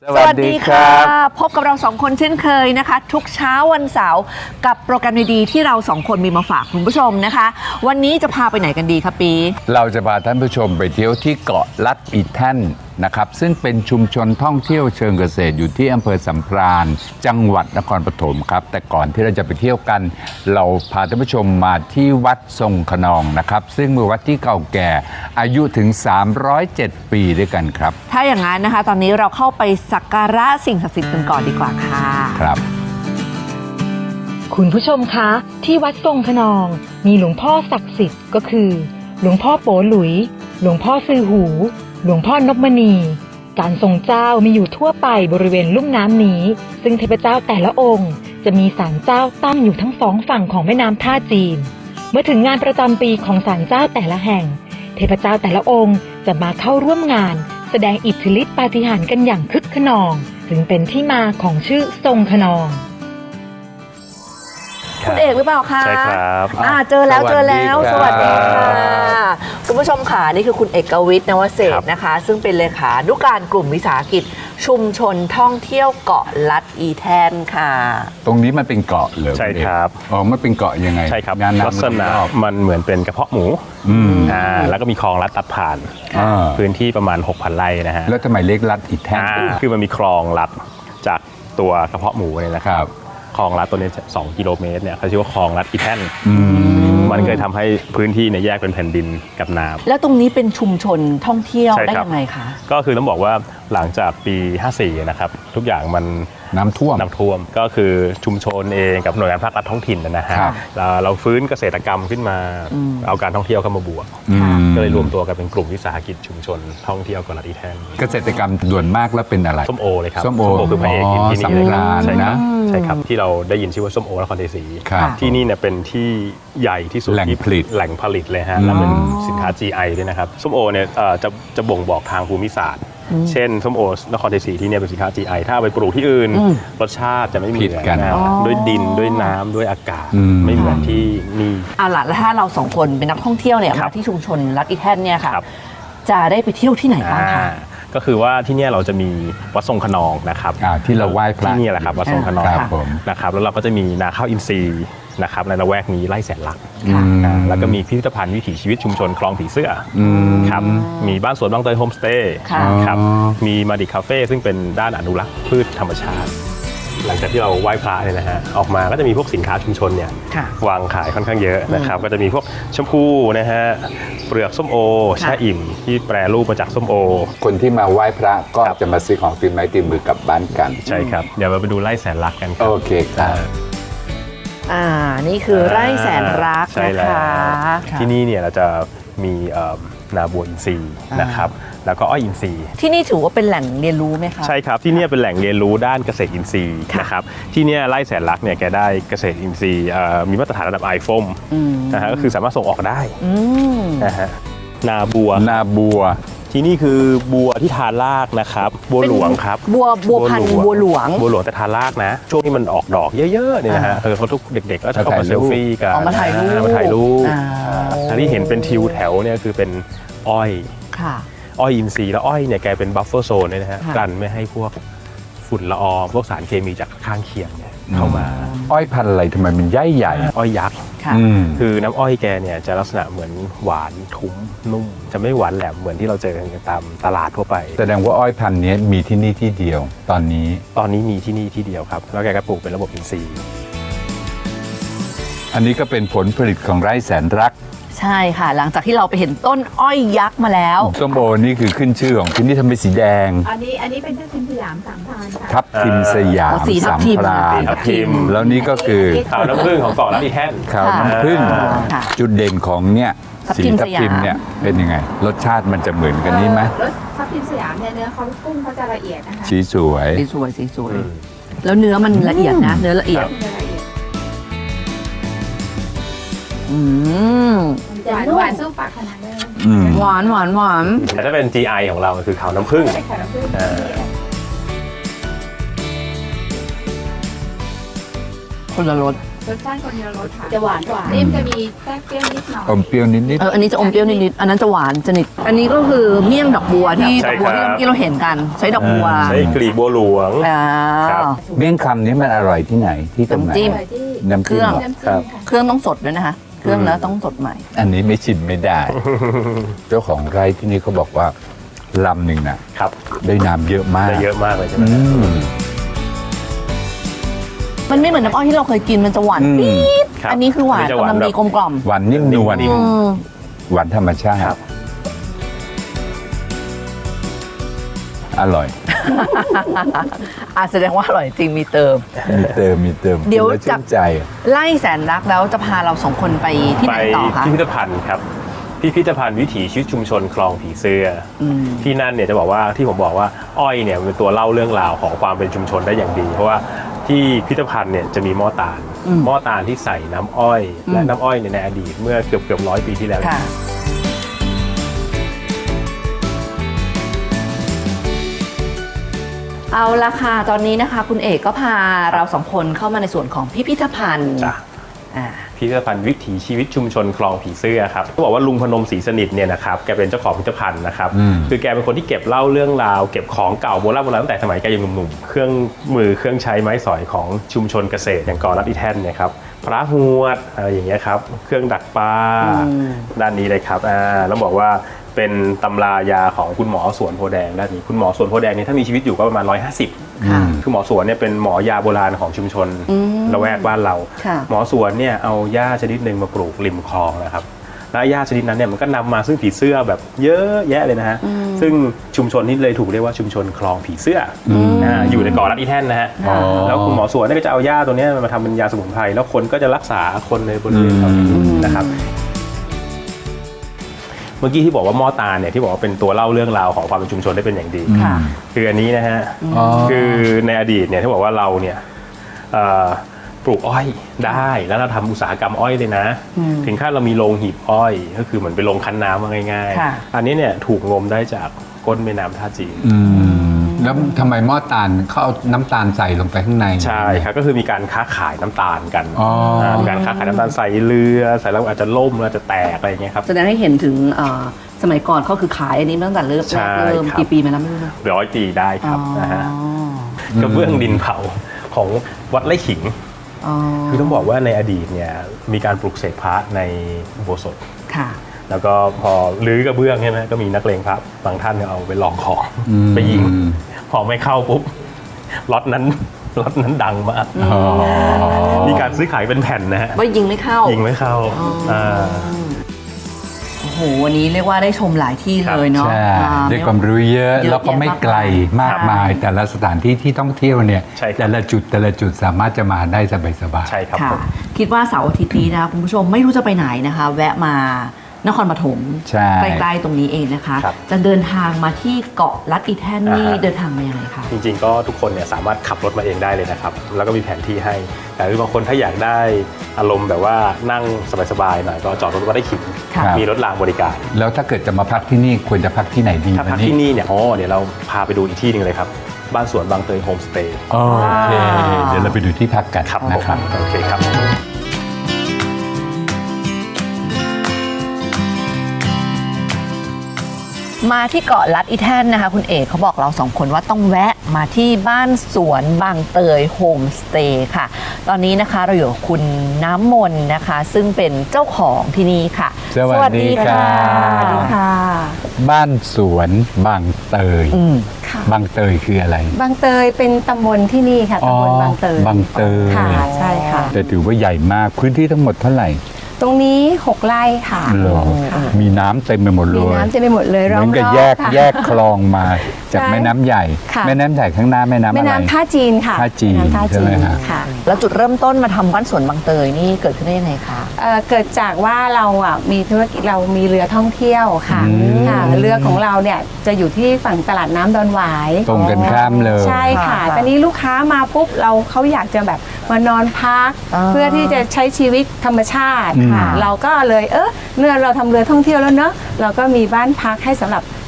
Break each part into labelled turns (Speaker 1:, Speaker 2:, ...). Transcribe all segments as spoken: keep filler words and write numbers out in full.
Speaker 1: สวัสดีครับพบกับเราสองคนเช่นเคยนะคะทุกเช้าวันเสาร์กับโปรแกรมดีๆที่เราสองคนมีมาฝากคุณผู้ชมนะคะวันนี้จะพาไปไหนกันดีคะปี
Speaker 2: เราจะพาท่านผู้ชมไปเที่ยวที่เกาะลัดอีแท่นนะครับซึ่งเป็นชุมชนท่องเที่ยวเชิงเกษตรอยู่ที่อำเภอสัมพรานจังหวัดนครปฐมครับแต่ก่อนที่เราจะไปเที่ยวกันเราพาท่านผู้ชมมาที่วัดทรงขนองนะครับซึ่งเป็นวัดที่เก่าแก่อายุถึงสามร้อยเจ็ดปีด้วยกันครับ
Speaker 1: ถ้าอย่างนั้นนะคะตอนนี้เราเข้าไปสักการะสิ่งศักดิ์สิทธิ์กันก่อนดีกว่าค่ะ
Speaker 2: ครับ
Speaker 3: คุณผู้ชมคะที่วัดทรงขนองมีหลวงพ่อศักดิ์สิทธิ์ก็คือหลวงพ่อโปหลุยหลวงพ่อซือหูหลวงพ่อนพมณีการทรงเจ้ามีอยู่ทั่วไปบริเวณลุ่มน้ำนี้ซึ่งเทพเจ้าแต่ละองค์จะมีศาลเจ้าตั้งอยู่ทั้งสองฝั่งของแม่น้ำท่าจีนเมื่อถึงงานประจำปีของศาลเจ้าแต่ละแห่งเทพเจ้าแต่ละองค์จะมาเข้าร่วมงานแสดงอิทธิฤทธิปาฏิหาริย์กันอย่างคึกขนองถึงเป็นที่มาของชื่อทรงขนอง
Speaker 1: คุณเอกหรือเปล่าคะ
Speaker 4: ใช่ครับ
Speaker 1: อ่าเจอแล้วเจอแล้วสวัสดีค่ะคุณผู้ชมค่ะนี่คือคุณเอกวิทย์นวเศรษฐ์นะคะซึ่งเป็นเลขานุการกลุ่มวิสาหกิจชุมชนท่องเที่ยวเกาะลัดอีแทนค่ะ
Speaker 2: ตรงนี้มันเป็นเกาะเหรอ
Speaker 4: ใช่ครับ
Speaker 2: อ๋อมันเป็นเกาะยังไง
Speaker 4: ใช่ครับ
Speaker 2: งาน
Speaker 4: ลักษณะมันเหมือนเป็นกระเพาะหมูอ่าแล้วก็มีคลองลัดตัดผ่านพื้นที่ประมาณ หกพัน ไร่นะฮะ
Speaker 2: แล้วทำไมเรียกลัดอีแทน
Speaker 4: คือมันมีคลองลัดจากตัวกระเพาะหมูเนี่ยนะครับคลองลัดตัวนี้สองกิโลเมตรเนี่ยเขาชื่อว่าคลองลัดอีแท่นมันเคยทำให้พื้นที่เนี่ยแยกเป็นแผ่นดินกับน้ำ
Speaker 1: แล้วตรงนี้เป็นชุมชนท่องเที่ยวได้ยังไงคะ
Speaker 4: ก็คือต้องบอกว่าหลังจากปีห้าสี่นะครับทุกอย่างมัน
Speaker 2: น้ำท่วม
Speaker 4: น้ำท่วมก็คือชุมชนเองกับหน่วยงานภาครัฐท้องถิ่นนะฮะเราเราฟื้นเกษตรกรรมขึ้นมาเอาการท่องเที่ยวเข้ามาบวกก็เลยรวมตัวกันเป็นกลุ่มวิสาหกิจชุมชนท่องเที่ยวเกาะลัดอีแท่น
Speaker 2: เกษตรกรรมด่วนมากแล้วเป็นอะไร
Speaker 4: ส้มโอเลยครับ
Speaker 2: ส้มโอ
Speaker 4: คือพระเอกที่นี่เลยครับ
Speaker 2: ใช่
Speaker 4: ครับใช่ครับที่เราได้ยินชื่อว่าส้มโอนครชัยศรีที่นี่เนี่ยเป็นที่ใหญ่ที่สุด
Speaker 2: แหล่งผลิต
Speaker 4: แหล่งผลิตเลยฮะแล้วเป็นสินค้า จี ไอ ด้วยนะครับส้มโอเนี่ยจะจะบ่งบอกทางภูมิศาสตร์เช่นส้มโอนครชัยศรีที่เนี่ยเป็นสินค้า จี ไอ ถ้าไปปลูกที่อื่นรสชาติจะไม่เหมือนกันด้วยดินด้วยน้ำด้วยอากาศไม่เหมือนที่นี่
Speaker 1: เอาล่ะแล้วถ้าเราสองคนเป็นนักท่องเที่ยวเนี่ยมาที่ชุมชนลัดอีแท่นเนี่ยค่ะจะได้ไปเที่ยวที่ไหนบ้างคะ
Speaker 4: ก็คือว่าที่นี่เราจะมีวัดทรงขนองนะครับ
Speaker 2: ที่เราไหว้พระ
Speaker 4: ที่นี่แหละครับวัดทรงขนองนะครับแล้วเราก็จะมีนาข้าวอินทรีย์นะครับในละแวกนี้ไร่แสนลักแล้วก็มีพิพิธภัณฑ์วิถีชีวิตชุมชนคลองผีเสื้อครับมีบ้านสวนบางเตยโฮมสเตย์ครับมีมาดิคาเฟ่ซึ่งเป็นด้านอนุรักษ์พืชธรรมชาติหลังจากที่เราไหว้พระเนี่ยนะฮะออกมาก็จะมีพวกสินค้าชุมชนเนี่ยวางขายค่อนข้างเยอะนะครับก็จะมีพวกแชมพูนะฮะเปลือกส้มโอแช่อิ่มที่แปรรูปมาจากส้มโอ
Speaker 2: คนที่มาไหว้พระก็จะมาซื้อของติดไม้ติดมือกลับบ้านกัน
Speaker 4: ใช่ครับเดี๋ยวเราไปดูไร่แสนรักกัน
Speaker 2: โอเคครับ
Speaker 1: อ่านี่คือไร่แสนรักนะคะ
Speaker 4: ที่นี่เนี่ยเราจะมีนาบัวอินทรีย์นะครับแล้วก็อ้อยอินทรีย์
Speaker 1: ที่นี่ถือว่าเป็นแหล่งเรียนรู้ไหมคะ
Speaker 4: ใช่ครับที่นี่เป็นแหล่งเรียนรู้ด้านเกษตรอินทรีย์นะครับที่นี่ไร่แสนรักเนี่ยแกได้เกษตรอินทรีย์มีมาตรฐานระดับไอโฟมนะฮะก็คือสามารถส่งออกได้นะฮะนาบัว
Speaker 2: นาบัว
Speaker 4: ที่นี่คือบัวที่ทานรากนะครับบัวหลวงครับ
Speaker 1: บัวบัวพันธุ์บัวหลวง
Speaker 4: บัวหลวงแต่ทานรากนะช่วงที่มันออกดอกเยอะๆเนี่ยนะฮะเออเขาทุกเด็กๆก็จะเข้ามาเซลฟี่กัน
Speaker 1: มาถ่ายรูป
Speaker 4: มาถ่ายรูปที่เห็นเป็นทิวแถวเนี่ยคือเป็นอ้อยอ้อยอินทรีย์แล้วอ้อยเนี่ยแกเป็นบัฟเฟอร์โซนเลยนะฮะกันไม่ให้พวกฝุ่นละอองพวกสารเคมีจากข้างเคียงเนี่ยเข้ามา
Speaker 2: อ้อยพันธุ์อะไรทำไมมันใหญ่ใหญ่
Speaker 4: อ้อยยักษ์คือน้ำอ้อยแกเนี่ยจะลักษณะเหมือนหวานทุ้มนุ่มจะไม่หวานแหลมเหมือนที่เราเจอกันตามตลาดทั่วไป
Speaker 2: แสดงว่าอ้อยพันธุ์นี้มีที่นี่ที่เดียวตอนนี้
Speaker 4: ตอนนี้มีที่นี่ที่เดียวครับแล้วแกก็ปลูกเป็นระบบอินทรีย์
Speaker 2: อันนี้ก็เป็นผลผลิตของไร่แสนรัก
Speaker 1: ใช่ค่ะหลังจากที่เราไปเห็นต้นอ้อยยักษ์มาแล้ว
Speaker 2: ส้มโอนี่คือขึ้นชื่อของที่นี่ทำเป็นสีแดง
Speaker 5: อันนี้อันนี้เป็นทับทิมสยามสามพรานค่ะ
Speaker 2: ทับทิมสยามสามพราน
Speaker 4: ทับทิม
Speaker 2: แล้วนี่ก็คือ
Speaker 4: ขาวน้ำผึ้งของเกาะลัดอีแท่น
Speaker 2: ขาวน้ำผึ้งจุดเด่นของเนี่ยสีทับทิมเนี่ยเป็นยังไงรสชาติมันจะเหมือนกันนี้ไหม
Speaker 5: รสทับทิมสยามเนี่ยเนื้อเขากุ้งเขาจะละเอียดนะคะ
Speaker 2: สีสวย
Speaker 1: สีสวยสีสวยแล้วเนื้อมันละเอียดนะเนื้อละเอียดอืม
Speaker 5: หวานหวานสู้ปากขนาดเลย
Speaker 1: หวานหวานหวาน
Speaker 4: แต่ถ้าเป็น จี ไอ ของเราคือขาวน้ำผึ้ง
Speaker 1: คนละรส
Speaker 5: รสชาติคนเดียวรสค่ะจะหวานกว่านี่มันจะมีแทรกเปรี้ยวนิดหน่อย
Speaker 2: อมเปรี้ยวนิด
Speaker 1: เอออันนี้จะอมเปรี้ยวนิดๆอันนั้นจะหวานสนิทอันนี้ก็คือเมี่ยงดอกบัวที่
Speaker 4: ใช่
Speaker 1: ดอกบัวที่
Speaker 4: ครับ
Speaker 1: เมื่อกี้เราเห็นกันใช้ดอกบัว
Speaker 4: ใช้กลีบบัวหลวง
Speaker 1: อ่า
Speaker 4: ครับ
Speaker 2: ๆเมี่ยงคำนี้มันอร่อยที่ไหนที่ตรงไหน
Speaker 1: น้ำจิ้ม
Speaker 5: อร่อยที่
Speaker 2: น้ำจิ้มเหรอ
Speaker 5: น้ำ
Speaker 4: ครั
Speaker 5: จิ้
Speaker 4: บ
Speaker 5: มค่ะ
Speaker 1: เครื่องต้องสดด้วยนะคะ เครื่องแล้วต้องสดใหม่
Speaker 2: อันนี้ไม่ชิมไม่ได้ เจ้าของไร่ที่นี่เขาบอกว่าลำหนึ่งน่ะ
Speaker 4: ครับ
Speaker 2: ได้น้ำเยอะมาก
Speaker 4: ได้เยอะมากเลยใช่ไหม
Speaker 2: อืม
Speaker 1: มันไม่เหมือนน้ำอ้อยที่เราเคยกินมันจะหวาน
Speaker 2: อืม
Speaker 1: ปี๊ด
Speaker 4: ครับ
Speaker 1: อันนี้คือหวาน
Speaker 4: อันนี้จะห
Speaker 1: กำ
Speaker 4: วาน
Speaker 1: ลังดี
Speaker 4: แบบ
Speaker 1: กลมกล่อม
Speaker 2: หวานนิ่มนวล
Speaker 4: นิ่ม
Speaker 1: อืม
Speaker 2: หวานธรรมชาติ
Speaker 4: ครับ
Speaker 2: อร่อย
Speaker 1: อ่ะแสดงว่าอร่อยจริงมีเติม
Speaker 2: มีเติมมีเติม
Speaker 1: เดี๋ยว
Speaker 2: กินแล้
Speaker 1: จะ
Speaker 2: ชื่นใจ
Speaker 1: ไล่แสนรักแล้วจะพาเราสองคนไปที่
Speaker 4: ไป
Speaker 1: ไหนต่อคะ
Speaker 4: พิพิธภัณฑ์ครับพิพิธภัณฑ์วิถีชีวิตชุมชนคลองผีเสื้ออ
Speaker 1: ม
Speaker 4: ที่นั่นเนี่ยจะบอกว่าที่ผมบอกว่าอ้อยเนี่ยเป็นตัวเล่าเรื่องราวของความเป็นชุมชนได้อย่างดี เพราะว่าที่พิพิธภัณฑ์เนี่ยจะมีหม้อตาล
Speaker 1: อืม
Speaker 4: หม้อตาลที่ใส่น้ำอ้อย
Speaker 1: อืม
Speaker 4: และน้ำอ้อยเนี่ยในอดีตเมื่อเกือบเกือบร้อยปีที่แล้ว
Speaker 1: ค่ะ เอาละค่ะตอนนี้นะคะ คุณเอกก็พาเราสองคนเข้ามาในส่วนของพิพิธภัณฑ์
Speaker 4: จ้ะ
Speaker 1: อ่า
Speaker 4: พิพิธภัณฑ์วิถีชีวิตชุมชนคลองผีเสื้อครับเขาบอกว่าลุงพนมศรีสนิทเนี่ยนะครับแกเป็นเจ้าของพิพิธภัณฑ์นะครับ
Speaker 2: อืม
Speaker 4: คือแกเป็นคนที่เก็บเล่าเรื่องราวเก็บของเก่าโบราณโบราณตั้งแต่สมัยแกยังหนุ่มๆเครื่องมือเครื่องใช้ไม้สอยของชุมชนเกษตรอย่างกอรัดอีแท่นเนี่ยครับพระหวดอะไรอย่างเงี้ยครับเครื่องดักปลา
Speaker 1: อืม
Speaker 4: ด้านนี้เลยครับอ่าแล้วบอกว่าเป็นตำรายาของคุณหมอสวนโพแดงด้านนี้คุณหมอสวนโพแดงเนี่ยถ้ามีชีวิตอยู่ก็ประมาณร้อยห้าสิบ
Speaker 1: ค่ะ
Speaker 4: คือหมอสวนเนี่ยเป็นหมอยาโบราณของชุมชน
Speaker 1: อืม
Speaker 4: ละแวกบ้านเรา
Speaker 1: ค่ะ
Speaker 4: หมอสวนเนี่ยเอาหญ้าชนิดหนึ่งมาปลูกริมคลองนะครับ และหญ้าชนิดนั้นเนี่ยมันก็นำมาซึ่งผีเสื้อแบบเยอะแยะเลยนะฮะ ซึ่งชุมชนนี้เลยถูกเรียกว่าชุมชนคลองผีเสื้อออ่าอยู่ในเกาะลัดอีแท่นนะฮะ
Speaker 2: อ๋อ
Speaker 4: แล้วคุณหมอสวนเนี่ยก็จะเอาหญ้าตัวเนี้ยมาทำเป็นยาสมุนไพรแล้วคนก็จะรักษาคนในบริเวณแถวนี้นะครับ เมื่อกี้ที่บอกว่าหม้อตาลเนี่ยที่บอกว่าเป็นตัวเล่าเรื่องราวของความเป็นชุมชนได้เป็นอย่างดี
Speaker 1: ค่ะ
Speaker 4: คืออันนี้นะฮะ
Speaker 2: อ๋อ
Speaker 4: คือในอดีตเนี่ยที่บอกว่าเราเนี่ยเอ่อปลูกอ้อยได้แล้วเราทำอุตสาหกรรมอ้อยเลยนะ
Speaker 1: อืม
Speaker 4: ถึงขั้นเรามีโรงหีบอ้อย ก็คือเหมือนเป็นโรงคั้นน้ำว่าง่าย
Speaker 1: ค่ะ
Speaker 4: ๆ อันนี้เนี่ยถูกงมได้จากก้นแม่น้ำท่าจีน
Speaker 2: อืมแล้วทำไมหม้อตาลเขาเอาน้ำตาลใส่ลงไปข้างใน
Speaker 4: ใช่ครับก็คือมีการค้าขายน้ำตาลกัน
Speaker 2: อ๋ออ่
Speaker 4: ามีการค้าขายน้ำตาลใส่เรือใส่แล้วอาจจะล่มแล้วอาจจะแตกอะไรอย่างเงี้ยครับ
Speaker 1: แสดงให้เห็นถึงเอ่อสมัยก่อนเขาคือขายอันนี้มาตั้งแต่เริ่ม
Speaker 4: ใช่
Speaker 1: แรกเริ่ม
Speaker 4: ครับ
Speaker 1: กี่ปีมาแล้วไม่รู้นะ
Speaker 4: ร้อยปีได้ครับนะฮะกระเบื้องดินเผาของวัดไร่ขิง
Speaker 1: อ๋อ
Speaker 4: คือต้องบอกว่าในอดีตเนี่ยมีการปลุกเสกพระในอุโบสถ
Speaker 1: ค่ะ
Speaker 4: แล้วก็พอรื้อกระเบื้องใช่ไหมก็มีนักเลงพระบางท่านเนี่ยเอาไปลองของ
Speaker 2: อืม
Speaker 4: ไปยิง พอไม่เข้าปุ๊บล็อตนั้นล็อตนั้นดังมาก
Speaker 2: อ๋อ
Speaker 4: มีการซื้อขายเป็นแผ่นนะฮะ
Speaker 1: ว่ายิงไม่เข้า
Speaker 4: ยิงไม่เข้า
Speaker 1: อ๋ออ่
Speaker 4: า
Speaker 1: โอ้โหวันนี้เรียกว่าได้ชมหลายที่เลยเนาะ
Speaker 2: ใช่
Speaker 1: อ่า
Speaker 2: ได้ความรู้เยอะ
Speaker 1: เยอะ
Speaker 2: แล้วก็ไม่ไกลมากมาย
Speaker 1: ใช่
Speaker 2: แต่ละสถานที่ที่ต้องเที่ยวเนี่ย
Speaker 4: ใช่ครับ
Speaker 2: แต่ละจุดแต่ละจุดสามารถจะมาได้สบายๆ
Speaker 4: ใช่ครับ
Speaker 1: ค่ะ
Speaker 4: ผม
Speaker 1: คิดว่าเสาร์อาทิตย์นี้นะคะคุณผู้ชมไม่รู้จะไปไหนนะคะ แวะมานครปฐม
Speaker 2: ใช่
Speaker 1: ใกล้ๆตรงนี้เองนะคะ
Speaker 4: ครับ
Speaker 1: จะเดินทางมาที่เกาะลัดอีแท่นนี่
Speaker 4: อ่าฮะ
Speaker 1: เดินทางมายังไงคะ
Speaker 4: จริงๆก็ทุกคนเนี่ยสามารถขับรถมาเองได้เลยนะครับ แล้วก็มีแผนที่ให้ แต่คือบางคนถ้าอยากได้อารมณ์แบบว่านั่งสบายๆหน่อยก็จอดรถมาได้ขิง
Speaker 1: ค่ะ
Speaker 4: มีรถรางบริการ
Speaker 2: แล้วถ้าเกิดจะมาพักที่นี่ควรจะพักที่ไหนดี
Speaker 4: ถ้าพัก
Speaker 2: วันนี้
Speaker 4: ที่นี่เนี่ยอ๋อเดี๋ยวเราพาไปดูอีกที่หนึ่งเลยครับ บ้านสวนบางเตยโฮมสเตย์
Speaker 2: โอเค เดี๋ยวเราไปดูที่พักกัน
Speaker 4: ครับ
Speaker 2: นะ
Speaker 4: ผม
Speaker 2: ครับ
Speaker 4: โอเคครับ
Speaker 1: มาที่เกาะลัดอีแท่นนะคะคุณเอกเขาบอกเราสองคนว่าต้องแวะมาที่บ้านสวนบางเตยโฮมสเตย์ค่ะ ตอนนี้นะคะเราอยู่กับคุณน้ำมนต์นะคะ ซึ่งเป็นเจ้าของที่นี่ค่ะ
Speaker 2: สวัสดีค่ะ
Speaker 1: สวัสดีค่ะ
Speaker 2: บ้านสวนบางเตย
Speaker 1: อืม
Speaker 6: ค่ะ
Speaker 2: บางเตยคืออะไร
Speaker 6: บางเตยเป็นตำบลที่นี่ค่ะตำบลบางเตย
Speaker 2: บางเตย
Speaker 6: ค่ะใช่ค่ะ
Speaker 2: แต่ถือว่าใหญ่มากพื้นที่ทั้งหมดเท่าไหร่
Speaker 6: ตรงนี้หกไร่ค่ะ
Speaker 2: เหรอ
Speaker 6: ค่ะ
Speaker 2: มีน้ำเต็มไปหมดเล
Speaker 6: มี
Speaker 2: ย
Speaker 6: น้ำเต็มไปหมดเลย
Speaker 2: เห
Speaker 6: รอ
Speaker 2: มื
Speaker 6: บ
Speaker 2: อนกับ
Speaker 6: ๆ
Speaker 2: แยก
Speaker 6: ค่ะ
Speaker 2: แยกคลองมาจาก
Speaker 6: ใช่
Speaker 2: แม่น้ำใหญ่
Speaker 6: ค่ะ
Speaker 2: แม่น้ำใหญ่ข้างหน้าแม่น้ำ
Speaker 6: แม่
Speaker 2: อะไร
Speaker 6: น้ำท่าจีนค่ะ
Speaker 2: ท่าจีน
Speaker 6: แม่ำท่า
Speaker 2: ใช่
Speaker 6: จี
Speaker 2: ไหม
Speaker 6: น
Speaker 2: ฮะ
Speaker 6: ค่ะ
Speaker 1: แล้วจุดเริ่มต้นมาทำบ้านสวนบางเตยนี่เกิดขึ้นได้ยังไงคะ
Speaker 6: เอ่อเกิดจากว่าเราอ่ะมีธุรกิจเรามีเรือท่องเที่ยวค่ะ
Speaker 2: อืม
Speaker 6: ค่ะเรือของเราเนี่ยจะอยู่ที่ฝั่งตลาดน้ำดอนหวาย
Speaker 2: ตรงกันข้ามเลย
Speaker 6: ใช่ค่ะ
Speaker 1: ค่ะ
Speaker 6: ตอนนี้ลูกค้ามาปุ๊บเราเขาอยากจะแบบมานอนพัก
Speaker 1: อ่า
Speaker 6: เพื่อที่จะใช้ชีวิตธรรมชาติ
Speaker 2: อืม
Speaker 6: ค่ะ เราก็เลยเออเมื่อเราทำเรือท่องเที่ยวแล้วเนอะเราก็มีบ้านพักให้สำหรับ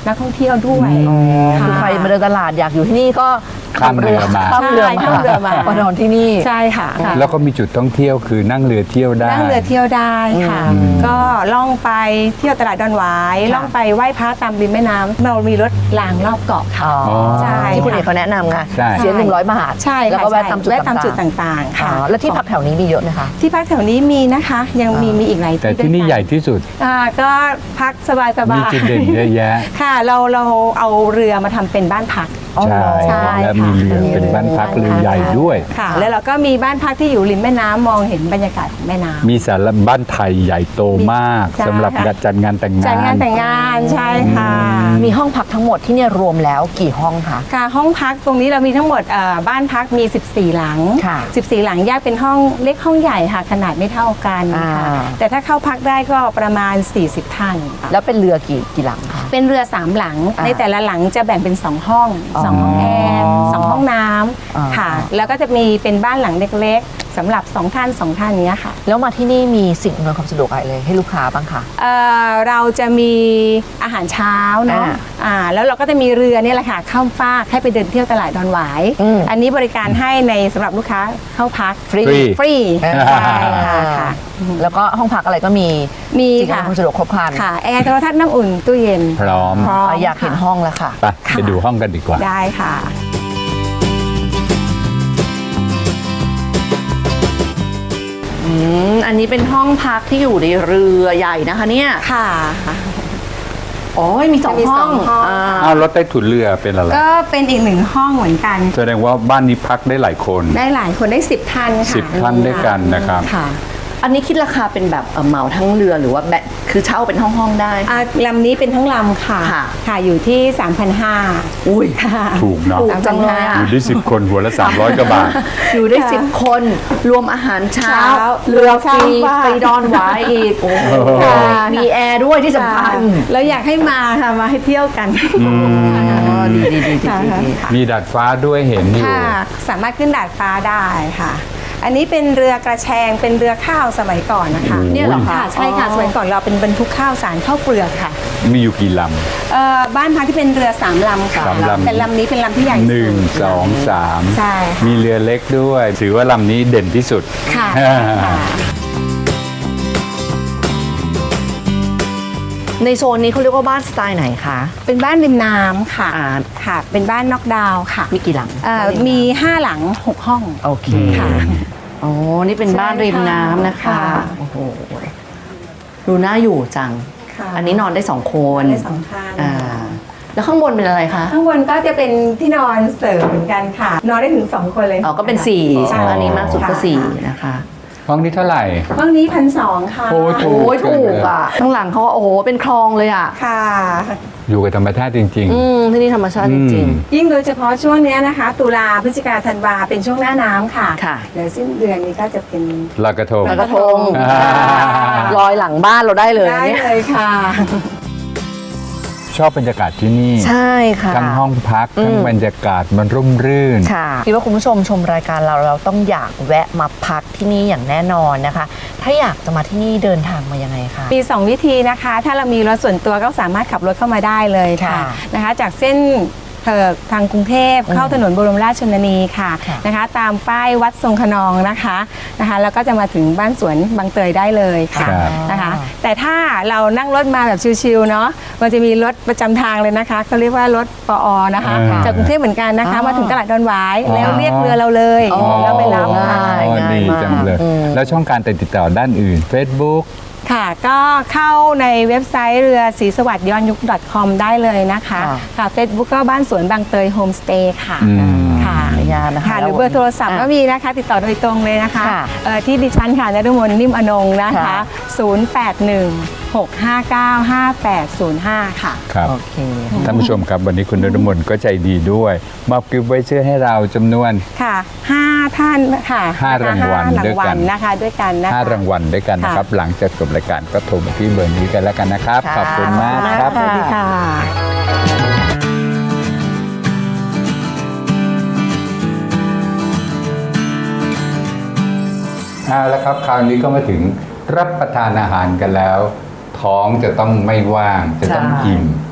Speaker 6: นักท่องเที่ยวด้วย
Speaker 1: คือใครมาเดินตลาดอยากอยู่ที่นี่ก็
Speaker 2: ข้ามเรือมา
Speaker 1: ข้ามเรือ
Speaker 6: ใช่ข้ามเรือมา
Speaker 1: มานอนที่นี่
Speaker 6: ใช่ค่ะ
Speaker 2: แล้วก็มีจุดท่องเที่ยวคือนั่งเรือเที่ยวได้
Speaker 6: นั่งเรือเที่ยวได้ค่ะ ก็ล่องไปเที่ยวตลาดดอนหวายล่องไปไหว้พระตามริมแม่น้ำเรามีรถรางรอบเกาะค่ะ
Speaker 1: อ๋อ
Speaker 6: ใช่
Speaker 1: ที่คุณเอกเขาแนะนำไง
Speaker 2: ใช่
Speaker 1: เสียหนึ่งร้อยบาท
Speaker 6: ใช่ค่ะ
Speaker 1: แล้วก็แวะตามจุด
Speaker 6: แวะตามจุด
Speaker 1: ต่าง
Speaker 6: ต่าง
Speaker 1: ๆ
Speaker 6: ๆ
Speaker 1: อ๋อ
Speaker 6: ค่ะ
Speaker 1: แล้วที่พักแถวนี้มีเยอะไหมคะ
Speaker 6: ที่พักแถวนี้มีนะคะ ยังมีมีอีกหลายที่
Speaker 2: แต่ที่นี่
Speaker 6: ด้วยกัน
Speaker 2: ใหญ่ที่สุด
Speaker 6: อ่าก็พักสบายสบา
Speaker 2: มี
Speaker 6: ย
Speaker 2: จุดเด่นเยอะแยะ
Speaker 6: ค่ะเราเราเอาเรือมาทำเป็นบ้านพัก
Speaker 2: ใช่
Speaker 6: ใช่
Speaker 2: และมีเรือเป็นบ้านพักเรือใหญ่ด้วย
Speaker 6: ค่ะ แล้วเราก็มีบ้านพักที่อยู่ริมแม่น้ำมองเห็นบรรยากาศของแม่น้ำ
Speaker 2: มีสารบ้านไทยใหญ่โตมาก
Speaker 6: ใช่
Speaker 2: สำหรับ
Speaker 6: ค่ะ
Speaker 2: จัดงานแต่งงาน
Speaker 6: จัดงานแต่งงานใช่ค่ะ
Speaker 1: มีห้องพักทั้งหมดที่เนี่ยรวมแล้วกี่ห้องคะ
Speaker 6: ค่ะห้องพักตรงนี้เรามีทั้งหมดเอ่อบ้านพักมี สิบสี่ หลัง
Speaker 1: ค่ะ
Speaker 6: สิบสี่ หลังแยกเป็นห้องเล็กห้องใหญ่ค่ะขนาดไม่เท่ากันค่ะ
Speaker 1: อ่า
Speaker 6: แต่ถ้าเข้าพักได้ก็ประมาณ สี่สิบ ท่านค่ะ
Speaker 1: แล้วเป็นเรือกี่กี่หลังคะ
Speaker 6: เป็นเรือสามหลัง
Speaker 1: อ่า
Speaker 6: ในแต่ละหลังจะแบ่งเป็นสองห้อง
Speaker 1: อ๋อ
Speaker 6: สองห้องแอร์สองห้องน้
Speaker 1: อ่า
Speaker 6: ำค่ะ แล้วก็จะมีเป็นบ้านหลังเล็กๆสำหรับสองท่านสองท่านเนี้ยค่ะ
Speaker 1: แล้วมาที่นี่มีสิ่งอำนวยความสะดวกอะไรเลยให้ลูกค้าบ้างคะ
Speaker 6: เอ่อเราจะมีอาหารเช้าเนาะ
Speaker 1: อ่า
Speaker 6: อ่าแล้วเราก็จะมีเรือเนี่ยแหละค่ะข้ามฟากให้ไปเดินเที่ยวตลาดดอนหวาย
Speaker 1: อืม
Speaker 6: อันนี้บริการให้ในสำหรับลูกค้าเข้าพัก
Speaker 1: ฟรี
Speaker 2: ฟรี
Speaker 6: ฟรี
Speaker 1: อ่า
Speaker 6: ใช่ค่ะค่ะ
Speaker 1: แล้วก็ห้องพักอะไรก็มี
Speaker 6: มี
Speaker 1: สิ่งอำนวย
Speaker 6: ค่ะ
Speaker 1: ความสะดวกครบครัน
Speaker 6: ค่ะแอร์โทรทัศน์น้ำอุ่นตู้เย็น
Speaker 2: พร้อม
Speaker 6: พร้อม
Speaker 1: อ่ะอยากเห็น
Speaker 6: ค่ะ
Speaker 1: ห้องแล้วค่ะ
Speaker 2: ไปไปดูห้องกันดีกว่า
Speaker 6: ได้ค่ะ
Speaker 1: อืมอันนี้เป็นห้องพักที่อยู่ในเรือใหญ่นะคะเนี่ย
Speaker 6: ค่ะ
Speaker 1: อ๋อมีสอง
Speaker 6: มี
Speaker 1: ห้
Speaker 6: ส
Speaker 1: อ
Speaker 6: อง งห้อง
Speaker 1: อ่า
Speaker 2: อ้าวรถใต้ถุนเรือเป็นอะไร
Speaker 6: ก็เป็นอีกหนึ่งห้องเหมือนกัน
Speaker 2: แสดงว่าบ้านนี้พักได้หลายคน
Speaker 6: ได้หลายคนได้สิบท่านค่ะ
Speaker 2: สิบท่านด้วยกันนะครับ
Speaker 6: ค่ะ
Speaker 1: อันนี้คิดราคาเป็นแบบเอ่อเหมาทั้งเรือหรือว่าแบบคือเช่าเป็นห้องๆได้
Speaker 6: อ่าลำนี้เป็นทั้งลำค่ะ
Speaker 1: ค่ะ
Speaker 6: ค่ะอยู่ที่ สามพันห้าร้อย
Speaker 1: อุ้ย
Speaker 6: ค่ะ
Speaker 2: ถูกเนาะ
Speaker 1: ถูกจังเลยอะ
Speaker 2: อยู่ได้สิบคนหัวละสามร้อยกว่าบาท
Speaker 1: อยู่ได้
Speaker 6: ค่ะ
Speaker 1: สิบคน รวมอาหารเช้า
Speaker 6: เช้า
Speaker 1: เรือฟรี
Speaker 6: ข้ามฟาก
Speaker 1: ไปดอนหวายอีกโอ้โห
Speaker 6: ค่ะ
Speaker 1: มีแอร์ด้วยที่สำคัญ
Speaker 6: แล้วอยากให้มาค่ะมาให้เที่ยวกัน
Speaker 1: อ๋อดีดีดีดีดีดี
Speaker 2: มีดาดฟ้าด้วยเห็นอยู่
Speaker 6: ค่ะ สามารถขึ้นดาดฟ้าได้ค่ะ อันนี้เป็นเรือกระแชงเป็นเรือข้าวสมัยก่อนนะคะ
Speaker 2: โอ้ย
Speaker 6: เนี่ยเหรอคะใช่ค่ะ
Speaker 1: อ๋อ
Speaker 6: สมัยก่อนเราเป็นบรรทุกข้าวสารข้าวเปลือกค่ะ
Speaker 2: มีอยู่กี่ล
Speaker 6: เอ่อบ้านพักที่เป็นเรือสามลำค่ะ
Speaker 2: สามลำ
Speaker 6: แต่ลำนี้เป็นลำที่ใหญ่
Speaker 2: ำ
Speaker 6: ที่
Speaker 2: หนึ่ง
Speaker 6: สุด
Speaker 2: สองสาม
Speaker 6: ใช่ค่ะ
Speaker 2: มีเรือเล็กด้วย ถือว่าลำนี้เด่นที่สุด
Speaker 6: ค่ะ
Speaker 2: อ่า
Speaker 6: ค่ะ
Speaker 1: ในโซนนี้เขาเรียกว่าบ้านสไตล์ไหนคะ
Speaker 6: เป็นบ้านริมน้ำค่ะ
Speaker 1: อ่า
Speaker 6: ค่ะ เป็นบ้านน็อกดาวน์ค่ะ
Speaker 1: มีกี่หลัง
Speaker 6: เอ่อ
Speaker 1: บ้านริน้ำ
Speaker 6: มีห้าหลังหกห้อง
Speaker 1: โอเค
Speaker 6: ค่ะ
Speaker 1: อ๋อ นี่เป็นบ้านริมน้ำนะคะ
Speaker 6: ค่ะ
Speaker 1: โอ้โห ดูน่าอยู่จัง
Speaker 6: ค่ะ
Speaker 1: อันนี้นอนได้สองคน
Speaker 6: ได้สองท่าน
Speaker 1: อ่า แล้วข้างบนเป็นอะไรคะ
Speaker 6: ข้างบนก็จะเป็นที่นอนเสริมเหมือนกันค่ะ นอนได้ถึงสองคนเลย
Speaker 1: อ๋อ ก็เป็นสี่
Speaker 6: ใช่
Speaker 1: อันนี้มากสุดก็
Speaker 6: ค่ะ
Speaker 1: สี่นะคะ
Speaker 2: ห้องนี้เท่าไหร่
Speaker 6: ห้องนี้พันสองค่ะ
Speaker 2: โอ้ย
Speaker 1: โอ้ยถูกอ่ะ ข้างหลังเขาโอ้โห เป็นคลองเลยอ่ะ
Speaker 6: ค่ะ
Speaker 2: อยู่กับธรรมชาติจริง
Speaker 1: อืม ที่นี่ธรรมชาติจริง
Speaker 6: ยิ่งโดยเฉพาะช่วงเนี้ยนะคะ ตุลาพฤศจิกาธันวาเป็นช่วงหน้าน้ำค่ะ
Speaker 1: ค่ะ
Speaker 6: เดี๋ยวสิ้นเดือนนี้ก็จะเป็น
Speaker 2: ๆลอยกระทง
Speaker 1: ๆแล้วก็ทง
Speaker 2: อ่า
Speaker 1: ลอยหลังบ้านเราได้เลย
Speaker 6: ได้
Speaker 1: เนี่ย
Speaker 6: เลยค่ะ
Speaker 2: ชอบบรรยากาศที่นี่
Speaker 1: ใช่ค่ะ
Speaker 2: ทั้งห้องพัก ทั้ง
Speaker 1: อืม
Speaker 2: บรรยากาศมันร่มรื่น
Speaker 1: ค่ะคิดว่าคุณผู้ชมชมรายการเราเราต้องอยากแวะมาพักที่นี่อย่างแน่นอนนะคะ ถ้าอยากจะมาที่นี่เดินทางมายังไงคะ
Speaker 6: มีสองวิธีนะคะ ถ้าเรามีรถส่วนตัวก็สามารถขับรถเข้ามาได้เลยค่ะ
Speaker 1: ค่ะ
Speaker 6: นะคะ จากเส้นเอ่อทางกรุงเทพเข้าถนนบรมราชชนนีค่ะ
Speaker 1: ค่ะ
Speaker 6: นะคะ ตามป้ายวัดทรงขนองนะคะนะคะแล้วก็จะมาถึงบ้านสวนบางเตยได้เลยค่ะ
Speaker 2: ครับ
Speaker 6: นะคะ แต่ถ้าเรานั่งรถมาแบบชิลๆเนาะมันจะมีรถประจำทางเลยนะคะเขาเรียกว่ารถปอนะคะ
Speaker 2: อ่า
Speaker 6: จากกรุงเทพเหมือนกันนะคะ
Speaker 1: อ๋อ
Speaker 6: มาถึงตลาดดอนหวาย
Speaker 2: อ๋อ
Speaker 6: แล้วเรียกเรือเราเลย
Speaker 1: อ๋อ
Speaker 6: แล้วไปรับค่ะ
Speaker 1: ง่าย
Speaker 2: อ๋อดี
Speaker 1: มาก
Speaker 2: จังเลย
Speaker 1: อืม
Speaker 2: แล้วช่องการติดต่อด้านอื่น Facebook
Speaker 6: ค่ะ ก็เข้าในเว็บไซต์เรือศรีสวัสดิ์ย้อนยุค .com ได้เลยนะคะ
Speaker 1: ค่ะ
Speaker 6: ค่ะ Facebook ก็บ้านสวนบางเตยโฮมสเตย์ค่ะ
Speaker 2: อืม
Speaker 6: ค่ะ
Speaker 1: ขออนุญาตนะคะ
Speaker 6: ค่ะหรือเบอร์โทรศัพท์
Speaker 1: อ่ะ
Speaker 6: ก็มีนะคะ ติดต่อโดยตรงเลยนะคะ
Speaker 1: ค่ะ
Speaker 6: เอ่อที่ดิฉันค่ะนฤมลนิ่มอนงค์นะคะ
Speaker 1: ค่ะ
Speaker 6: ศูนย์ แปด หนึ่ง หก ห้า เก้า ห้า แปด ศูนย์ ห้า ค่ะ
Speaker 2: ครับ
Speaker 1: โอเค
Speaker 2: ท่านผู้ชมครับวันนี้คุณนรมนก็ใจดีด้วย มอบกิฟต์ไวเชอร์ให้เราจำนวน
Speaker 6: ค่ะห้าท่านค่ะ
Speaker 2: ห้ารางวัล
Speaker 6: ห้
Speaker 2: ด้วยกัน
Speaker 6: นะคะด้วยกันนะคะ
Speaker 2: ห้ารางวัลด้วยกันนะครับ หลังจากจบรายการก็โทรมาที่เบอร์นี้กันแล้วกันนะครับ
Speaker 1: ค่ะ
Speaker 2: ขอบคุณมากครับ
Speaker 6: สวัสดีค่ะ
Speaker 2: เอาละครับคราวนี้ก็มาถึงรับประทานอาหารกันแล้ว ท้องจะต้องไม่ว่างจะต้อง
Speaker 1: ใช่
Speaker 2: อิ่ม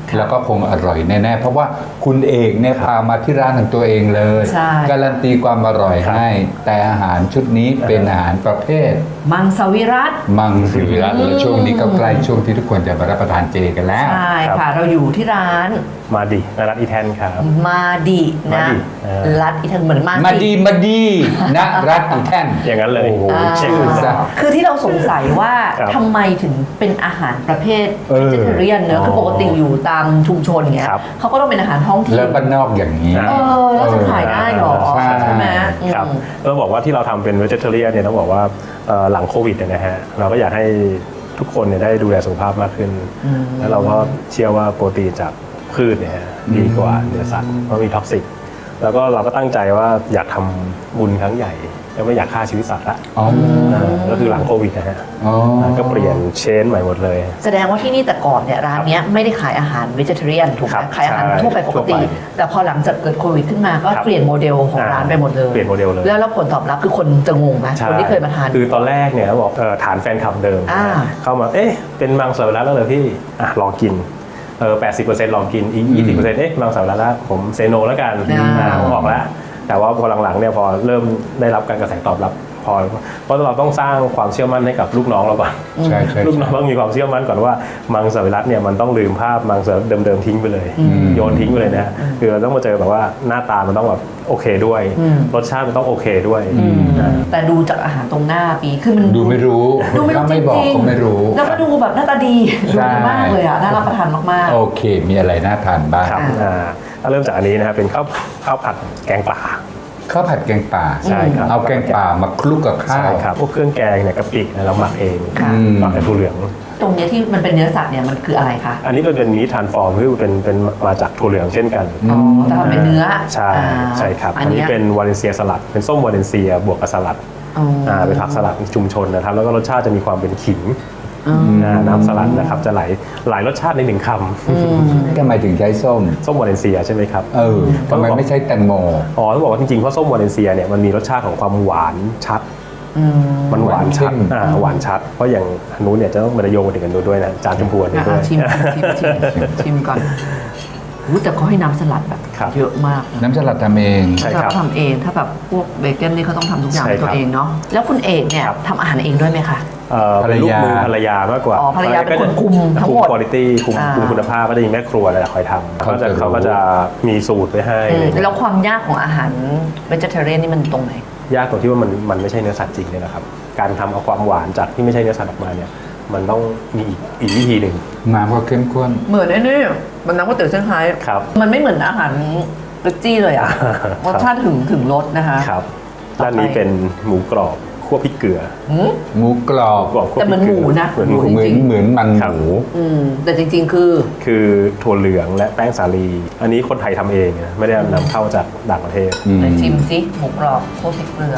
Speaker 2: แล้วก็คงอร่อยแน่ๆเพราะว่าคุณเอกเนี่ยพามาที่ร้านของตัวเองเลย
Speaker 1: ใช่
Speaker 2: การันตีความอร่อยให้ แต่อาหารชุดนี้เป็นอาหารประเภท
Speaker 1: มังสวิรัต
Speaker 2: มังสวิรัติและช่วงนี้ก็ใกล้ช่วงที่ทุกคนจะมารับประทานเจกันแล้ว
Speaker 1: ใช่ค่ะ เราอยู่ที่ร้าน
Speaker 4: มาดิร้านอีแทนครับ
Speaker 1: มาดีนะ
Speaker 4: มาดิเออ
Speaker 1: รัดอีทันเหมือนมา
Speaker 2: มาดีมาดีนะรัฐอีแท่น
Speaker 4: อย่างนั้นเลย
Speaker 2: โอ้โห
Speaker 1: อ่า
Speaker 2: ชื่อซะ
Speaker 1: คือที่เราสงสัยว่า
Speaker 4: ครับ
Speaker 1: ทำไมถึงเป็นอาหารประเภท
Speaker 2: เออ
Speaker 1: vegetarian เนอะคือปกติอยู่ตามชุมชนเงี้ย
Speaker 4: ครับ
Speaker 1: เขาก็ต้องเป็นอาหารท้องถิ่น
Speaker 2: แล้วบ้านนอกอย่างนี้
Speaker 1: เออแล้วจะขายได้เหรอ
Speaker 2: ใช่
Speaker 1: ใช่ไหม
Speaker 4: ครับ
Speaker 1: อืม
Speaker 4: ต้องบอกว่าที่เราทำเป็น vegetarian เนี่ยต้องบอกว่าเอ่อหลังโควิดเนี่ยนะฮะเราก็อยากให้ทุกคนเนี่ยได้ดูแลสุขภาพมากขึ้น แล้วเราก็เชื่อว่าโปรตีนจากพืชเนี่ยฮะดีกว่าเนื้อสัตว์เพราะมีท็อกซิกแล้วก็เราก็ตั้งใจว่าอยากทำบุญครั้งใหญ่แล้วไม่อยากฆ่าชีวิตสัตว์ละ
Speaker 2: อ๋อ
Speaker 4: อ่าก็คือหลังโควิดนะฮะ
Speaker 2: อ๋อ
Speaker 4: ก็เปลี่ยนเชนใหม่หมดเลย
Speaker 1: แสดงว่าที่นี่แต่ก่อนเนี่ยร้านเนี้ยไม่ได้ขายอาหาร vegetarian ถูกไห
Speaker 4: ครั
Speaker 1: ม
Speaker 4: บ
Speaker 1: ขายอาหาร
Speaker 4: ใช่
Speaker 1: ทั่วไปปกติ
Speaker 4: ทั่วไป
Speaker 1: แต่พอหลังจากเกิดโควิดขึ้นมาก็
Speaker 4: ครับ
Speaker 1: เปลี่ยนโมเดลของ
Speaker 4: อ่า
Speaker 1: ร้านไปหมดเลย
Speaker 4: เปลี่ยนโมเดลเลย
Speaker 1: แล้วแล้วผลตอบรับคือคนจะงงไหม
Speaker 4: ใช่
Speaker 1: คนที่เคยมาทาน
Speaker 4: คือตอนแรกเนี่ยเขาบอกเอ่อฐานแฟนคลับเดิม
Speaker 1: อ่า
Speaker 4: เข้ามาเอ๊ะเป็นมังสวิรัติแล้วเหรอพี่อ่ะลองกินเออแปดสิบเปอร์เซ็นต์ลองกินอีกยี่สิบเปอร์เซ็นต์เอ๊ะมังสวิรัติแล้วผมเซโนแล้วกัน
Speaker 1: อ่า
Speaker 4: อ่าผมออกแล้วแต่ว่าพอหลังๆเนี่ยพอเริ่มได้รับการกระแสตอบรับพอเพราะเราต้องสร้างความเชื่อมั่นให้กับลูกน้องเราก่อน
Speaker 2: ใช่ใช่
Speaker 4: ลูกน้องต้องมีความเชื่อมั่นก่อนว่ามังสวิรัติเนี่ยมันต้องลืมภาพมังสวิรัติเดิมๆทิ้งไปเลย โยนทิ้งไปเลยนะคือเราต้องมาเจอแบบว่าหน้าตามันต้องแบบโอเคด้วย รสชาติมันต้องโอเคด้วยนะ
Speaker 1: แต่ดูจากอาหารตรงหน้าปีคือมัน
Speaker 2: ดูไม่รู้
Speaker 1: ดูไม่รู้
Speaker 2: ถ้า
Speaker 1: จ
Speaker 2: ไม่บอก
Speaker 1: ริง
Speaker 2: ก็ไม่รู้
Speaker 1: ๆแล้วก็ดูแบบหน้าตาดี
Speaker 2: ใช่
Speaker 1: ดูดีมากเลยอ่ะน่ารับประทานมาก
Speaker 2: โอเค มีอะไรน่าทานบ้าง
Speaker 4: ครับอ่าถ้าเริ่มจากอันนี้นะครับเป็นข้าวข้าวผัดแกงป่า
Speaker 2: ข้าวผัดแกงป่า
Speaker 4: ใช่ครับ
Speaker 2: เอาแกงป่ามาคลุกกับข้า
Speaker 4: ใช่
Speaker 2: ว
Speaker 4: ครับพวกเครื่องแกงเนี่ยกะปิเนี่ยเราหมักเอง
Speaker 1: ค่ะ
Speaker 4: หมักในถั่วเหลือง
Speaker 1: ๆ ตรงเนี้ยที่มันเป็นเนื้อสัตว์เนี่ยมันคืออะไรคะ
Speaker 4: อันนี้ก็เป็นมีทานฟอร์มคือเป็นเป็นมาจากถั่วเหลืองเช่นกัน
Speaker 1: อ๋อแต่ทำเป็นเนื้อ
Speaker 4: ใช่
Speaker 1: อ่า
Speaker 4: ใช่ครับ
Speaker 1: อั
Speaker 4: อั
Speaker 1: น
Speaker 4: นนี้
Speaker 1: เนี้ย
Speaker 4: เป็นวาเลนเซียสลัด เป็นส้มวาเลนเซียบวกกับสลัด
Speaker 1: อ๋ออ่
Speaker 4: าเป็นผักสลัดชุมชนนะครับแล้วก็รสชาติจะมีความเป็นขิง
Speaker 1: อืม
Speaker 4: อ่าน้ำสลัดนะครับจะหลายหลายรสชาติในหนึ่งค
Speaker 2: ทำไมถึงใช้ส้ม
Speaker 4: ำส้มวาเลนเซียใช่ไหมครับ
Speaker 2: เออทำไมไม่ใช่แตงโม
Speaker 4: อ๋อต้องบอกว่าจริงๆเพราะส้มวาเลนเซียเนี่ยมันมีรสชาติของความหวานชัด
Speaker 1: อืม
Speaker 4: มันหวานชัด
Speaker 2: หวานเข้ม
Speaker 4: อ่าหวานชัด เพราะอย่างอันนู้นเนี่ยจะต้องมาโยงไปถึงกันด้วยนะจานชมพูอันนี้
Speaker 1: อ่ะ
Speaker 4: ด้วย
Speaker 1: ชิมชิมชิมชิมก่อนรู้แต่เขาให้น้ำสลัดแบบ
Speaker 4: ครับ
Speaker 1: เยอะมาก
Speaker 2: น้ำสลัดทำเอง
Speaker 4: ใช่
Speaker 1: ถ้า
Speaker 4: ครับ
Speaker 1: เขาทำเองถ้าแบบพวกเบเกนนี่เขาต้องทำทุกอย่าง
Speaker 4: ใช่
Speaker 1: ด้วย
Speaker 4: ครั
Speaker 1: ตั
Speaker 4: บ
Speaker 1: วเองเนาะแล้วคุณเอกเนี่ย
Speaker 4: ครับ
Speaker 1: ทำอาหารเองด้วยไหมคะ
Speaker 4: เอ่อเป็นลูกมือภรรยามากกว่า
Speaker 1: อ๋อภรรยาเป็นคนคุมทั้งหมด
Speaker 4: คุมคุณภาพคุม
Speaker 1: อ่า
Speaker 4: คุมคุณภาพก็จะมีแม่ครัวอะไรคอยทำ
Speaker 2: เขา
Speaker 4: เขา
Speaker 2: จะ
Speaker 4: จะ
Speaker 2: รู้
Speaker 4: เขาก็จะมีสูตรไว้ให้
Speaker 1: อื
Speaker 4: อะไร
Speaker 1: ม
Speaker 4: อย่างเงี้ย
Speaker 1: แล้วความยากของอาหารเวจเทเรียนนี่มันตรงไหน
Speaker 4: ยากตรงที่ว่ามันมันไม่ใช่เนื้อสัตว์จริงเนี่ยนะครับการทำเอาความหวานจากที่ไม่ใช่เนื้อสัตว์ออกมาเนี่ยมันต้องมีอีกอีกวิธีหนึ่ง
Speaker 2: น้ำก็เข้มข้น
Speaker 1: เหมือนไอ้นี่มันน้ำก๋วยเตี๋ยวเซี่ยงไฮ้
Speaker 4: ครับ
Speaker 1: มันไม่เหมือนอาหารเบกจี้เลยอ่ะ
Speaker 4: ครับ
Speaker 1: รสชาติถึงถึงรสนะคะ
Speaker 4: ครับ
Speaker 1: ต่อไป
Speaker 4: ด้านนี้เป็นหมูกรอบคั่วพริกเกลือ
Speaker 1: อืม
Speaker 2: หมูกรอบ
Speaker 4: กรอบคั่ว
Speaker 1: แต่
Speaker 4: พ
Speaker 1: มั
Speaker 4: ริ
Speaker 1: น
Speaker 4: กเกลื
Speaker 1: หมูนะ
Speaker 4: เหมือน
Speaker 1: หมู
Speaker 4: หมู
Speaker 2: เหมือน
Speaker 1: จริงๆ
Speaker 2: เหมือนมัน
Speaker 4: ครับ
Speaker 2: หมู
Speaker 1: อืมแต่จริง ๆ คือ
Speaker 4: คือถั่วเหลืองและแป้งสาลี อันนี้คนไทยทำเองนะไม่ได้นำเข้าจากต่างประเทศ
Speaker 2: อืม
Speaker 1: ไหนชิมซิหมูกรอบโคตรพริกเกลือ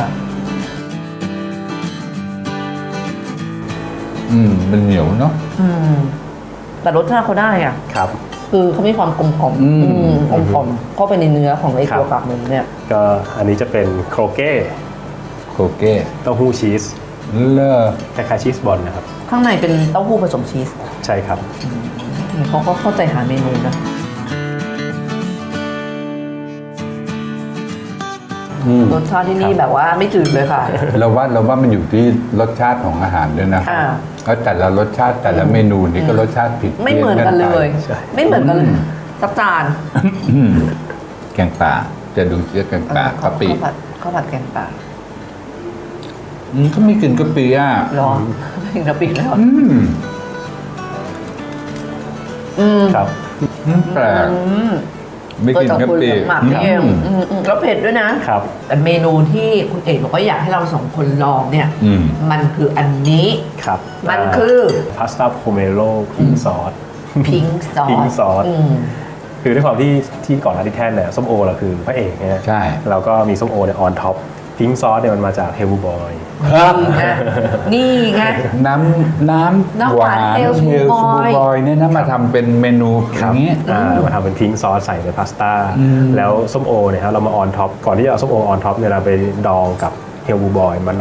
Speaker 2: อืมมันเหนียวเนาะ
Speaker 1: อืมแต่รสชาติเขาได้อ่ะ
Speaker 4: ครับ
Speaker 1: คือเขามีความกลมกล่อม
Speaker 2: อืม
Speaker 1: อืมกลมกล่อมเข้าไปในเนื้อของไอ้
Speaker 4: ครับ
Speaker 1: ตัวกากหมูเนี่ย
Speaker 4: ก็อันนี้จะเป็นโครเก้
Speaker 2: โคเก้
Speaker 4: เต้าหู้ชีส
Speaker 2: เลอ
Speaker 4: คล้ายๆชีสบอลนะครับ
Speaker 1: ข้างในเป็นเต้าหู้ผสมชีส
Speaker 4: ใช่ครับ
Speaker 1: เขาก็เข้าใจหาเมนูนะ
Speaker 2: อืม
Speaker 1: รสชาติที่นี่แบบว่าไม่จืดเลยค่ะ
Speaker 2: เราว่าเราว่ามันอยู่ที่รสชาติของอาหารด้วยนะ
Speaker 1: อ่า
Speaker 2: แล้วแต่ละรสชาติแต่ละเมนูนี่ก็รสชาติผิด
Speaker 1: ไม่เหมือนกันเลย
Speaker 4: ใช่
Speaker 1: ไม่เหมือนกันเลยสักจาน
Speaker 2: อืมแกงป่าจะดูเชื้อแกงป่ากะปิ
Speaker 1: ข้าวผัดข้าวผัดแกงป่า
Speaker 2: อืมก็มีกลิ่นกะปิอ่ะ
Speaker 1: รอถึงกะปิแล้ว
Speaker 2: อืม
Speaker 1: อืม
Speaker 4: ครับ
Speaker 2: อืมแปลก
Speaker 1: อืม
Speaker 2: ไม่กลิ่นกะปิ
Speaker 1: หมักนี่เอง
Speaker 2: อืม
Speaker 1: อืมอืมแล้วเผ็ดด้วยนะ
Speaker 4: ครับ
Speaker 1: แต่เมนูที่คุณเอกบอกว่าอยากให้เราสองคนลองเนี่ย
Speaker 2: อืม
Speaker 1: มันคืออันนี้
Speaker 4: ครับ
Speaker 1: มันคือ
Speaker 4: พาสต้าโพเมโลพิงซอส
Speaker 1: พิงซอส
Speaker 4: pink sauce
Speaker 1: อืม
Speaker 4: คือด้วยความที่ที่ก่อนหน้าที่แท่นเนี่ยส้มโอเราคือพระเอกเนี่ย
Speaker 2: ใช่
Speaker 4: แล้วก็มีส้มโอเนี่ยออนท็อปพิงซอสเนี่ยมันมาจากเฮลบูบอย
Speaker 2: ครับ
Speaker 1: นี่ไงนี่ไง
Speaker 2: น้ำน้ำ
Speaker 1: น้ำ
Speaker 2: ห
Speaker 1: ห
Speaker 2: วาว
Speaker 1: าน
Speaker 2: น
Speaker 1: เฮล
Speaker 2: เฮล
Speaker 1: ซู
Speaker 2: ซู
Speaker 1: บอย
Speaker 2: บอยเนี่ยนะมาทำเป็นเมนูอย่างนี้
Speaker 4: อ่ามาทำเป็นพิงซอสใส่ในพาสต้า
Speaker 2: อืม
Speaker 4: แล้วส้มโอเนี่ยครับเรามาออนท็อปก่อนที่จะเอาส้มโอออนท็อปเนี่ยเราไปดองกับเฮลบูบอยมะนาว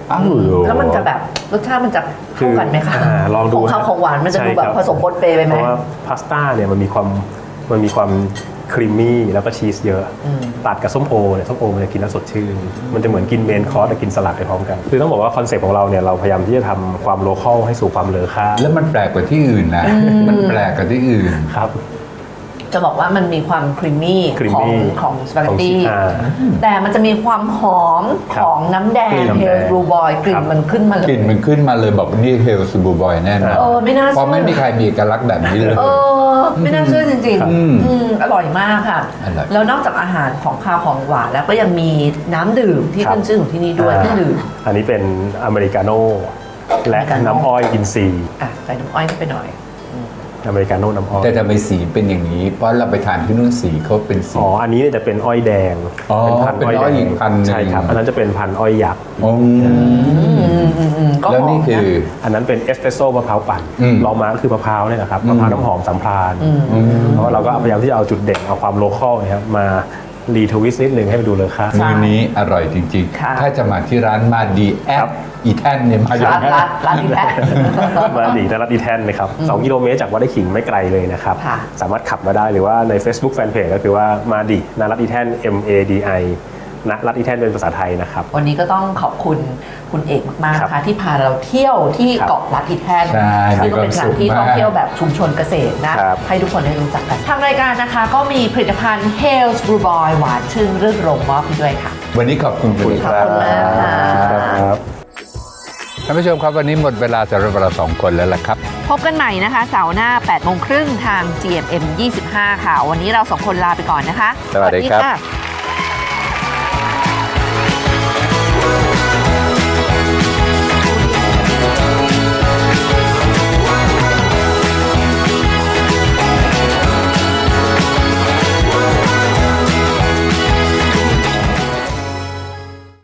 Speaker 2: อ้าวเหรอ
Speaker 1: แล้วมันจะแบบรสชาติมันจะเข้ากันไหมคะ
Speaker 4: อ่าลองดู
Speaker 1: ของข้าวของหวานมันจะดู
Speaker 4: ใช่
Speaker 1: แบบ
Speaker 4: ครับ
Speaker 1: ผสมปนเปไปไห
Speaker 4: เพ
Speaker 1: ม
Speaker 4: ราะว่าพาสต้าเนี่ยมันมีความมันมีความครีมมี่แล้วก็ชีสเยอะ
Speaker 1: อืม
Speaker 4: ตัดกับส้มโอเนี่ยส้มโอมันจะกินแล้วสดชื่นมันจะเหมือนกินเมนคอร์สแต่กินสลัดไปพร้อมกันคือต้องบอกว่าคอนเซ็ปต์ของเราเนี่ยเราพยายามที่จะทำความโลคอลให้สู่ความเลอค่า
Speaker 2: แล้วมันแปลกกว่าที่อื่นนะ มันแปลกกว่าที่อื่น
Speaker 4: ครับ
Speaker 1: จะบอกว่ามันมีความครีมมี่ของ
Speaker 4: creamy
Speaker 1: ของสปาเกตตี้
Speaker 4: ของอ่า
Speaker 1: แต่มันจะมีความหอม
Speaker 4: ครับ
Speaker 1: ของน้ำแดง
Speaker 4: กลิ่นน้ำ
Speaker 1: เฮ
Speaker 4: แด
Speaker 1: ล
Speaker 4: ง
Speaker 1: บลูบอยกลิ่
Speaker 4: ครั
Speaker 1: น
Speaker 4: บ
Speaker 1: มันขึ้นมาเล
Speaker 2: กลิ่นมัน
Speaker 1: ย
Speaker 2: ขึ้นมาเลยบอกนี่เฮลซูบูบอยแน่นอน
Speaker 1: เออไม่น่าเชื่อ
Speaker 2: เพราะไม่มีใครมีเอกลักษณ์แบบนี้เลย
Speaker 1: เออไม่น่าเชื่อจริง
Speaker 2: ครับ
Speaker 1: ๆอืมอร่อยมากค่ะ
Speaker 2: อร่อย
Speaker 1: แล้วนอกจากอาหารของคาวของหวานแล้วก็ยังมีน้ำดื่มที่
Speaker 4: ครับ
Speaker 1: ขึ้นชื่อของที่นี่ด้วย
Speaker 4: อ่า
Speaker 1: เครื่องดื่ม
Speaker 4: อันนี้เป็นอเมริกาโน่และ
Speaker 1: อเมริกาโน่
Speaker 4: น้ำอ้อยอินทรีย์
Speaker 1: อ่ะใส่น้ำอ้อยเข้าไปหน่อย
Speaker 4: อเมริกาโน่น้ำอ้อย
Speaker 2: แต่ทำไมสีเป็นอย่างนี้ เพราะเราไปทานที่นู่นสีเขาเป็นสี
Speaker 4: อ๋ออันนี้เนี่ยจะเป็นอ้อยแดง
Speaker 2: อ๋อ
Speaker 4: พันธุ์
Speaker 2: เป็นอ้อยอีกพันธุ์หนึ่ง
Speaker 4: ใช่ครับอันนั้นจะเป็นพันธุ์อ้อยยักษ์
Speaker 2: อืม
Speaker 1: อืมอืมอืมก็
Speaker 2: แล้ว
Speaker 1: หอ
Speaker 2: นี่
Speaker 1: ม
Speaker 2: คือ
Speaker 1: นะ
Speaker 4: อันนั้นเป็นเอสเปรสโซ่มะพร้าวปั่น
Speaker 2: อืม
Speaker 4: ลองมาก็คือมะพร้าวเนี่ยนะครับมะพร้าวน้ำหอมสัมพรานเพราะว่าเราก็พยายามที่จะเอาจุดเด่นเอาความโลคอลเนี่ยครับมารีทวิสต์นิดนึงให้มันดูเลอค่า
Speaker 2: มื้อนี้อร่อยจริง
Speaker 1: ค่ะ
Speaker 2: ๆ ถ้าจะมาที่ร้านมาดีแอ
Speaker 4: ครั
Speaker 2: ด
Speaker 4: บ
Speaker 2: อีแทนเนี่ยมาอยู่
Speaker 1: ร้านร้านร้านที่แพ้
Speaker 4: มาดีนรัตอีแทนนะครับสองกิโลเมตรจากวัดไร่ขิงไม่ไกลเลยนะครับ
Speaker 1: ค่ะ
Speaker 4: สามารถขับมาได้หรือว่าใน Facebook Fanpage ก็คือว่ามาดีนรัตอีแทน M A D I นรัตอีแทนเป็นภาษาไทยนะครับ
Speaker 1: วันนี้ก็ต้องขอบคุณคุณเอกมากๆ
Speaker 4: ครับ
Speaker 1: นะคะที่พาเราเที่ยวที่
Speaker 4: ครับ
Speaker 1: เกาะลัดอีแทน
Speaker 2: ใช่
Speaker 1: ซึ่งก็เป็นสถานที่
Speaker 2: มีความสุขมาก
Speaker 1: ท่องเที่ยวแบบชุมชนเกษตรนะครับ ให้ทุกคนได้รู้จักกัน ทางรายการนะคะก็มีผลิตภัณฑ์ Hales Brew Boy หวานชื่นรื่นรมมอบให้ด้วยค่ะ
Speaker 2: วันนี้ขอบคุณคุณ
Speaker 1: ขอบคุณมากค่ะ
Speaker 4: ครับ
Speaker 2: ท่านผู้ชมครับวันนี้หมดเวลาสำหรับเราสองคนแล้วล่ะครับ
Speaker 1: พบกันใหม่นะคะเสาร์หน้าแปดโมงครึ่งทาง จี เอ็ม เอ็ม ยี่สิบห้า ค่ะ วันนี้เราสองคนลาไปก่อนนะคะ
Speaker 2: สวัสดีครับ
Speaker 1: ค่ะ